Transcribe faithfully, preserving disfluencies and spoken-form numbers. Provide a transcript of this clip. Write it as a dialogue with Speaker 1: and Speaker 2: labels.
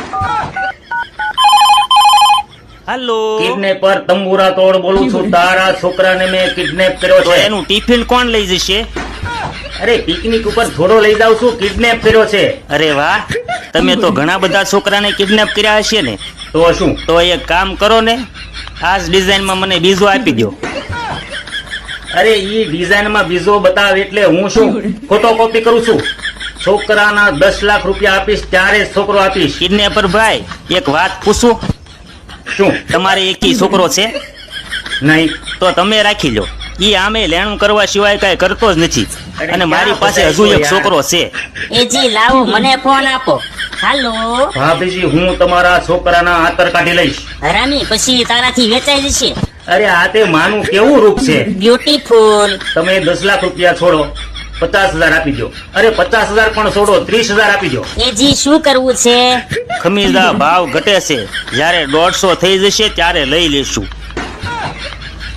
Speaker 1: Hello,
Speaker 2: kidnapper તંબુરા તોડ બોલું છું. તારા છોકરાને મેં કિડનેપ કર્યો
Speaker 1: તો
Speaker 2: છે.
Speaker 1: એનું ટિફિન કોણ લઈ જશે?
Speaker 2: અરે પિકનિક ઉપર થોડો લઈ જાઉં છું, કિડનેપ કર્યો છે.
Speaker 1: અરે વાહ, તમે તો ઘણા બધા છોકરાને કિડનેપ કર્યા હશે ને.
Speaker 2: તો શું?
Speaker 1: તો એક કામ કરો ને, આ જ ડિઝાઇનમાં મને બીજો આપી દો.
Speaker 2: અરે ઈ ડિઝાઇન માં બીજો બતાવ એટલે હું શું ફોટો કોપી કરું છું? છોકરાના દસ લાખ રૂપિયા આપીશ ત્યારે જ છોકરો આપીશ.
Speaker 1: કિડનેપર ભાઈ, એક વાત પૂછું,
Speaker 2: શું?
Speaker 1: તમારે એકી છોકરો છે?
Speaker 2: નહીં.
Speaker 1: તો તમે રાખી લો. ઈ આમે લેણું કરવા સિવાય કઈ કરતો જ નથી, અને મારી પાસે હજુ એક છોકરો છે.
Speaker 3: એજી લાવો, મને ફોન આપો. હાલો
Speaker 2: ભાભીજી, હું તમારા છોકરાના આતર કાઢી લઈશ.
Speaker 3: હરામી, પછી તારાથી વેચાઈ જશે.
Speaker 2: અરે આ તે માનું કેવું રૂપ છે.
Speaker 3: બ્યુટીફુલ.
Speaker 2: તમે દસ લાખ રૂપિયા છોડો, પચાસ હજાર આપી દો. અરે પચાસ હજાર પણ છોડો, ત્રીસ હજાર આપી દો.
Speaker 3: એજી શું કરવું છે?
Speaker 1: ખમીજા ભાવ ઘટે છે, જ્યારે દોઢસો થઈ જશે ત્યારે લઈ લેશું.